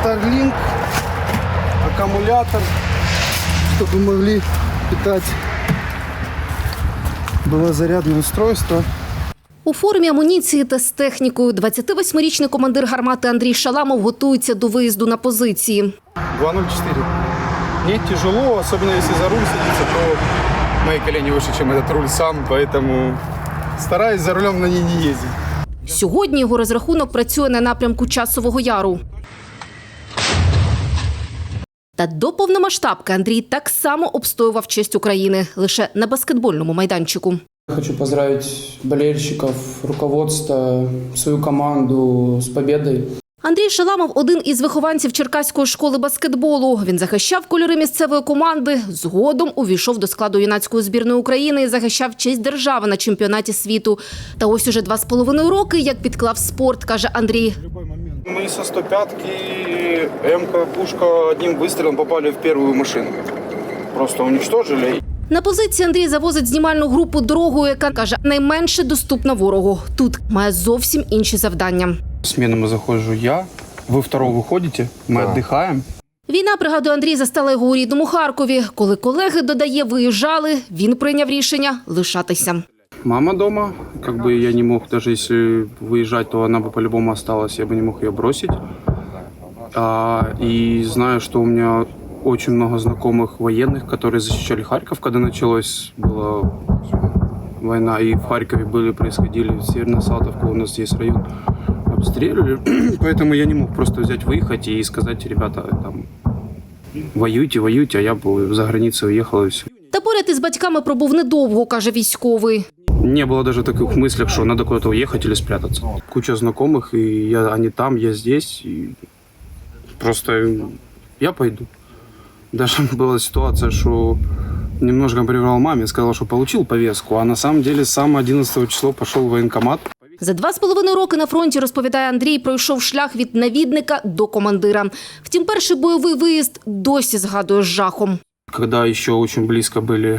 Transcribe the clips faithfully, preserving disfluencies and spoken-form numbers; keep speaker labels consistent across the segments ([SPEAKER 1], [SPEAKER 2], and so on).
[SPEAKER 1] Starlink, аккумулятор, чтобы могли питать. Было зарядное устройство.
[SPEAKER 2] У формі, амуніції та з технікою двадцятивосьмирічний командир гармати Андрій Шаламов готується до виїзду на позиції.
[SPEAKER 1] два ноль четыре. Мне тяжело, особенно если за руль садиться, то мои колени выше, чем этот руль сам, поэтому стараюсь за рулем на ней не ездить.
[SPEAKER 2] Сьогодні його розрахунок працює на напрямку Часового Яру. Та до повномасштабки Андрій так само обстоював честь України, лише на баскетбольному майданчику.
[SPEAKER 3] Хочу поздравить болельщиков, руководство, свою команду з победою.
[SPEAKER 2] Андрій Шаламов – один із вихованців Черкаської школи баскетболу. Він захищав кольори місцевої команди, згодом увійшов до складу юнацької збірної України і захищав честь держави на чемпіонаті світу. Та ось уже два з половиною роки, як підклав спорт, каже Андрій.
[SPEAKER 1] Мы со сто пятки, М-ка, пушка, одним выстрелом попали в первую машину. Просто уничтожили.
[SPEAKER 2] На позиції Андрій завозить знімальну групу дорогою, яка, каже, найменше доступна ворогу. Тут має зовсім інші завдання.
[SPEAKER 1] Смену заходжу я, ви второго виходите, ми
[SPEAKER 4] Да.
[SPEAKER 1] віддихаємо.
[SPEAKER 2] Війна, пригадує Андрій, застала його у рідному Харкові. Коли колеги, додає, виїжджали, він прийняв рішення лишатися.
[SPEAKER 1] Мама дома, как бы я не мог, даже если выезжать, то она бы по-любому осталась, я бы не мог ее бросить. А, и знаю, что у меня очень много знакомых военных, которые защищали Харьков, когда началась была война, и в Харькове были, происходили, в Северной Салтовке у нас есть район, обстреливали, поэтому я не мог просто взять, выехать и сказать: ребята, там, воюйте, воюйте, а я бы за границу уехал и все.
[SPEAKER 2] Та поряд із батьками пробув недовго, каже військовий.
[SPEAKER 1] Не было даже таких мыслей, что надо куда-то уехать или спрятаться. Куча знакомых, и я, они там, я здесь. И просто я пойду. Даже была ситуация, что немножко приврал маме, сказал, что получил повестку, а на самом деле с самого одиннадцатого числа пошел в военкомат.
[SPEAKER 2] За два з половиною роки на фронті, розповідає Андрій, пройшов шлях від навідника до командира. Втім, перший бойовий виїзд досі згадує з жахом.
[SPEAKER 1] Когда еще очень близко были,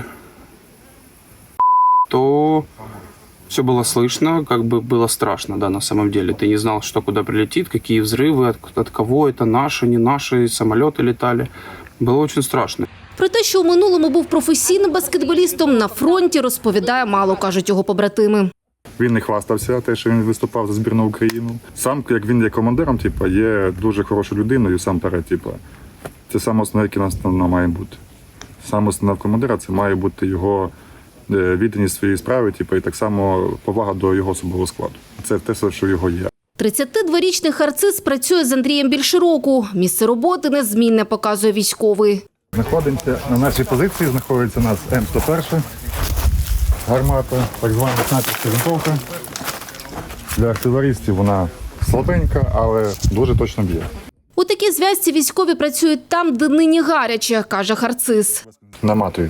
[SPEAKER 1] то все было слышно, как бы было страшно, да, на самом деле. Ты не знал, что куда прилетит, какие взрывы, от, от кого это, наши, не наши, самолеты летали. Было очень страшно.
[SPEAKER 2] Про те, що у минулому був професійним баскетболістом, на фронті розповідає мало, кажуть його побратими.
[SPEAKER 4] Він не хвастався, те, що він виступав за збірну Україну. Сам, як він є командиром, типу, є дуже хорошою людиною, сам перед, типу. Це саме основне, яке нас має бути. Саме основне в командира – це має бути його відданість своїй справі, типу, і так само повага до його особового складу. Це те, що його є.
[SPEAKER 2] тридцятидворічний харциз працює з Андрієм більше року. Місце роботи незмінне, показує військовий.
[SPEAKER 4] Знаходимося на нашій позиції, знаходиться у нас М сто один, гармата, так звана снайперська винтовка. Для артилерістів вона слабенька, але дуже точно б'є.
[SPEAKER 2] У такій зв'язці військові працюють там, де нині гаряче, каже харциз.
[SPEAKER 4] Наматують.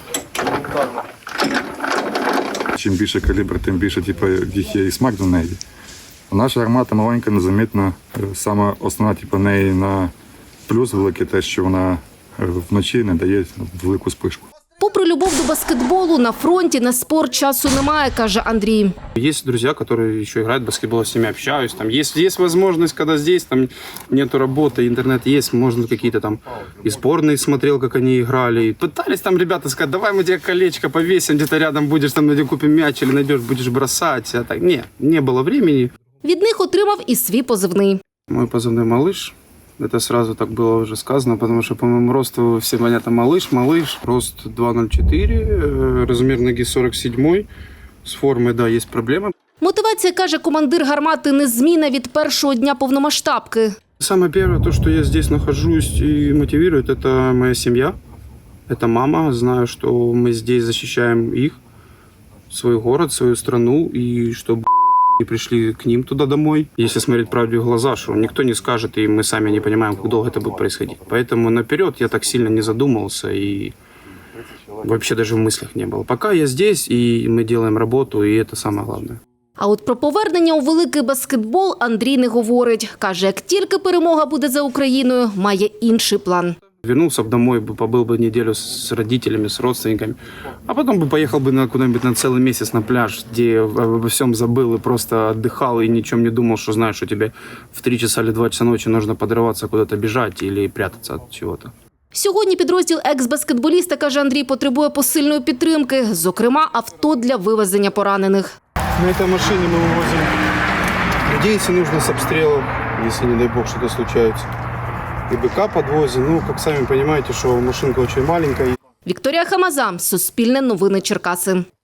[SPEAKER 4] Чим більше калібр, тим більше типу, їх є і смак до неї. Наша гармата маленька, незамітна. Саме основна типу, неї на плюс великий те, що вона вночі не дає велику спишку.
[SPEAKER 2] Попри любов до баскетболу, на фронті на спорт часу немає, каже Андрій.
[SPEAKER 1] Есть друзья, которые еще играют в баскетбол, с ними общаюсь. Там есть, есть возможность, когда здесь там нету работы, интернет есть, можно какие-то там и сборные смотрел, как они играли. И пытались там ребята сказать: давай мы тебе колечко повесим, где-то рядом будешь, там где купим мяч или найдешь, будешь бросать. А так, не, не было времени.
[SPEAKER 2] Від них отримав і свій позивний.
[SPEAKER 1] Мой позывной «Малыш». Это сразу так было уже сказано, потому что по моему росту все понятно: малыш, малыш. Рост два ноль четыре, размер ноги сорок семь. С формой, да, есть проблемы.
[SPEAKER 2] Мотивація, каже командир гармати, незмінна від першого дня повномасштабки.
[SPEAKER 1] Самое первое, то, что я здесь нахожусь и мотивирует, это моя семья. Это мама. Знаю, что мы здесь защищаем их, свой город, свою страну, и чтобы не пришли к ним туда домой. Если смотреть правде в глаза, что никто не скажет, и мы сами не понимаем, как долго это будет происходить. Поэтому наперед я так сильно не задумывался и вообще даже в мыслях не было. Пока я здесь, и мы делаем работу, и это самое главное.
[SPEAKER 2] А от про повернення у великий баскетбол Андрій не говорить. Каже, як тільки перемога буде за Україною, має інший план.
[SPEAKER 1] Вернулся бы домой, бы побыл бы неделю с родителями, с родственниками, а потом бы поехал бы на куда-нибудь на целый месяц на пляж, где обо всем забыл и просто отдыхал и ни о чем не думал, что знаешь, что тебе в три часа или два часа ночи нужно подрываться, куда-то бежать или прятаться от чего-то.
[SPEAKER 2] Сьогодні підрозділ екс-баскетболіста, каже Андрій, потребує посильної підтримки, зокрема авто для вивезення поранених.
[SPEAKER 1] На этой машине мы вывозим людей, если нужно, с обстрелов, если, не дай бог, что-то случается. И БК подвозим. Ну, как сами понимаете, что машинка очень маленькая.
[SPEAKER 2] Вікторія Хамаза, Суспільне новини Черкаси.